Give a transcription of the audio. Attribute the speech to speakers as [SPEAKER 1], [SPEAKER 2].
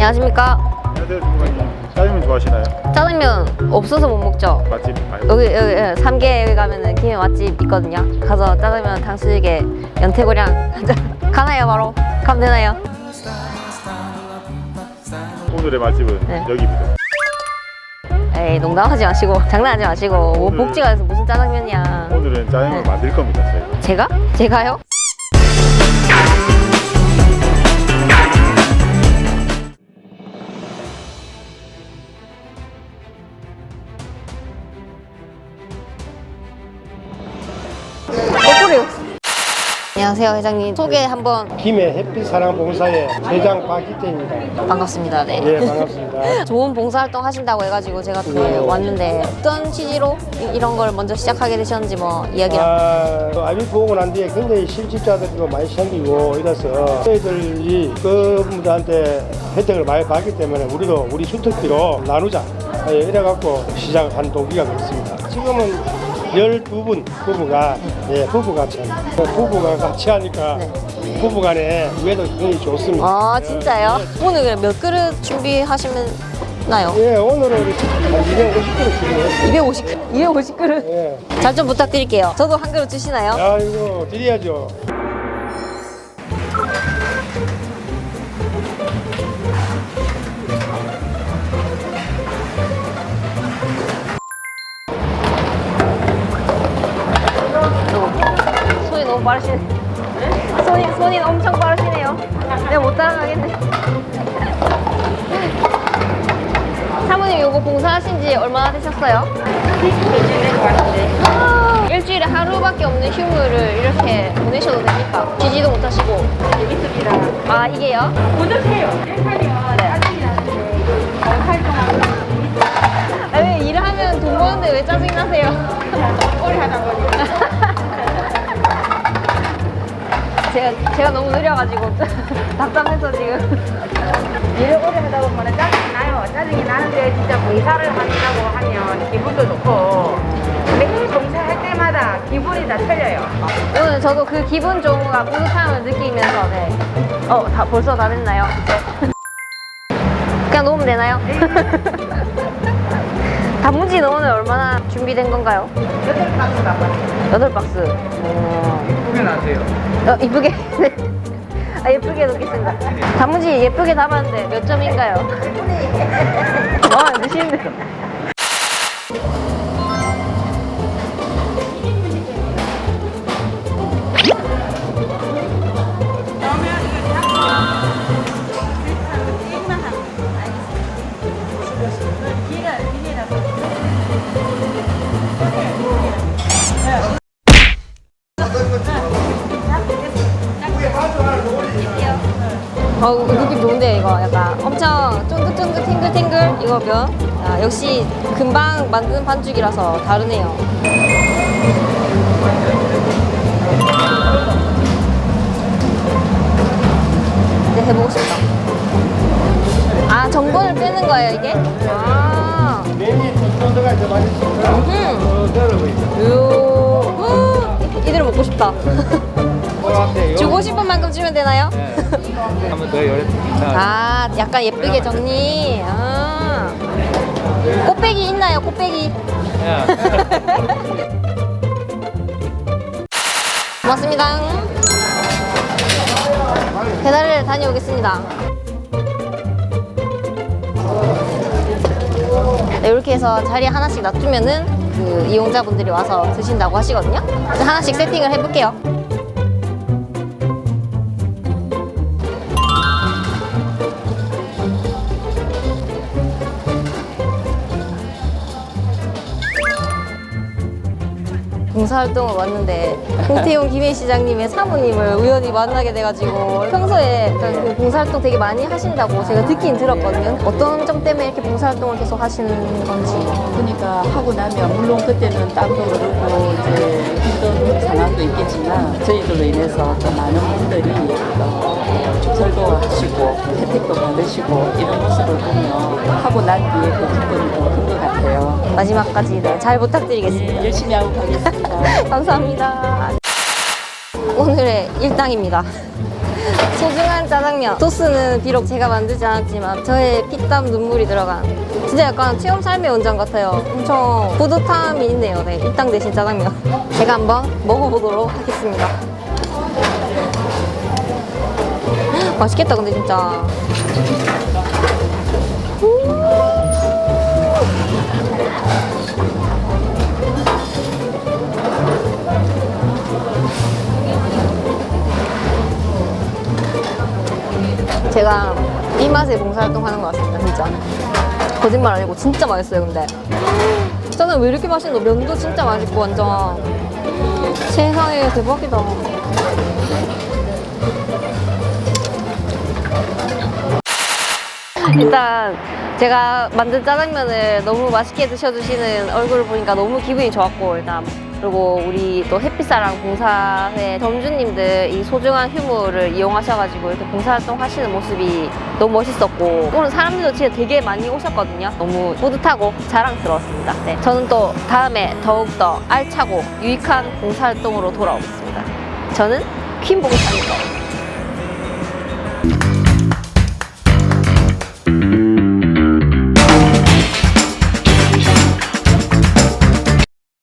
[SPEAKER 1] 안녕하십니까.
[SPEAKER 2] 안녕하세요, 주무관님. 짜장면 좋아하시나요?
[SPEAKER 1] 짜장면 없어서 못 먹죠.
[SPEAKER 2] 맛집 알고
[SPEAKER 1] 여기 3개 여기 가면은 김해 맛집 있거든요. 가서 짜장면 탕수육에 연태고량 가나요? 바로 가면 되나요?
[SPEAKER 2] 오늘의 맛집은
[SPEAKER 1] 네.
[SPEAKER 2] 여기입니다.
[SPEAKER 1] 에이, 농담하지 마시고 장난하지 마시고 뭐
[SPEAKER 2] 오늘-
[SPEAKER 1] 복지가 돼서 무슨 짜장면이야.
[SPEAKER 2] 오늘은 짜장면을
[SPEAKER 1] 네.
[SPEAKER 2] 만들 겁니다, 저희가.
[SPEAKER 1] 제가? 제가요? 거꾸로요. 안녕하세요, 회장님. 소개 한번.
[SPEAKER 3] 김해 햇빛사랑봉사의 회장 박희태입니다.
[SPEAKER 1] 반갑습니다. 네.
[SPEAKER 3] 예, 반갑습니다.
[SPEAKER 1] 좋은 봉사활동 하신다고 해가지고 제가 또 왔는데 어떤 취지로 이런 걸 먼저 시작하게 되셨는지 뭐 이야기를.
[SPEAKER 3] 아비 보고 난 뒤에 굉장히 실직자들도 많이 생기고 이래서 저희들이 그분들한테 혜택을 많이 받기 때문에 우리도 우리 주특기로 나누자 이래갖고 시작한 동기가 그렇습니다. 지금은 12분 부부가 같이 합니다. 부부가 같이 하니까 부부간에 우애도 굉장히 좋습니다.
[SPEAKER 1] 아, 진짜요? 오늘 몇 그릇 준비하시나요?
[SPEAKER 3] 예, 오늘은 한 250kg 준비했습니다.
[SPEAKER 1] 250그릇?
[SPEAKER 3] 예.
[SPEAKER 1] 잘 좀 부탁드릴게요. 저도 한 그릇 주시나요?
[SPEAKER 3] 아이고 드려야죠.
[SPEAKER 1] 손이 너무 빠르시네. 손이 엄청 빠르시네요. 내가 못 따라가겠네. 사모님 요거 봉사하신 지 얼마나 되셨어요? 일주일에 하루밖에 없는 휴무를 이렇게 보내셔도 됩니까? 쉬지도 못하시고.
[SPEAKER 4] 재밌습니다.
[SPEAKER 1] 아, 이게요?
[SPEAKER 4] 보조세요. 헬파리와 짜증이 나는데 활동하고
[SPEAKER 1] 아, 왜 일을 하면 돈 버는데 왜 짜증이 나세요?
[SPEAKER 4] 오래 하다 보니까
[SPEAKER 1] 제가 너무 느려가지고 답답해서 지금.
[SPEAKER 4] 일을 오래 하다 보면 짜증이 나요. 짜증이 나는데 진짜 봉사를 한다고 하면 기분도 좋고 매일 봉사할 때마다 기분이 다 틀려요.
[SPEAKER 1] 오늘 저도 그 기분 좋은가 뿌듯함을 느끼면서 벌써 다 됐나요? 이제 그냥 놓으면 되나요? 단무지는 오늘 얼마나 준비된 건가요?
[SPEAKER 4] 8박스 남았어요.
[SPEAKER 1] 8박스.
[SPEAKER 2] 예쁘게 나세요.
[SPEAKER 1] 이쁘게. 네. 아, 예쁘게 놓겠습니다. 단무지 예쁘게 담았는데 몇 점인가요? 와, 드시는데. 느낌 좋은데 이거 약간 엄청 쫀득쫀득 탱글탱글 이거 면. 아, 역시 금방 만든 반죽이라서 다르네요. 이제 해보고 싶다. 아, 전분을 빼는 거예요 이게? 아.
[SPEAKER 3] 면이 쫀쫀하게 더 맛있습니다. 들어가고 있죠.
[SPEAKER 1] 이대로 먹고 싶다. 주고 싶은 만큼 주면 되나요?
[SPEAKER 2] 한번 더 열었습니다.
[SPEAKER 1] 아, 약간 예쁘게 정리. 아. 꽃배기 있나요? 꽃배기. 고맙습니다. 배달을 다녀오겠습니다. 네, 이렇게 해서 자리에 하나씩 놔두면은 그 이용자분들이 와서 드신다고 하시거든요. 하나씩 세팅을 해볼게요. 봉사활동을 왔는데 홍태용 김해시장님의 사모님을 우연히 만나게 돼가지고 평소에 그 봉사활동 되게 많이 하신다고 제가 듣긴 들었거든요. 어떤 점 때문에 이렇게 봉사활동을 계속 하시는 건지.
[SPEAKER 5] 그러니까 하고 나면 물론 그때는 땀도 흐르고 이제 힘든 상황도 있겠지만 저희들로 인해서 또 많은 분들이 축설도 하시고 혜택도 받으시고 이런 모습을 보면 하고 난 뒤에 그 기쁨이 더 큰 것 같아요.
[SPEAKER 1] 마지막까지 네, 잘 부탁드리겠습니다.
[SPEAKER 5] 열심히 하고 가겠습니다.
[SPEAKER 1] 감사합니다. 오늘의 일당입니다. 소중한 짜장면. 소스는 비록 제가 만들지 않았지만 저의 피땀 눈물이 들어간 진짜 약간 체험 삶의 원장 같아요. 엄청 뿌듯함이 있네요. 네, 일당 대신 짜장면. 제가 한번 먹어보도록 하겠습니다. 맛있겠다 근데 진짜. 제가 이 맛에 봉사활동 하는 것 같습니다 진짜. 거짓말 아니고 진짜 맛있어요 근데. 짜장 왜 이렇게 맛있노? 면도 진짜 맛있고 완전. 세상에 대박이다. 일단 제가 만든 짜장면을 너무 맛있게 드셔주시는 얼굴을 보니까 너무 기분이 좋았고 일단 그리고 우리 또 햇빛사랑 봉사회 점주님들 이 소중한 휴무를 이용하셔가지고 이렇게 봉사활동 하시는 모습이 너무 멋있었고 오늘 사람들도 진짜 되게 많이 오셨거든요. 너무 뿌듯하고 자랑스러웠습니다. 네, 저는 또 다음에 더욱더 알차고 유익한 봉사활동으로 돌아오겠습니다. 저는 퀸봉사입니다.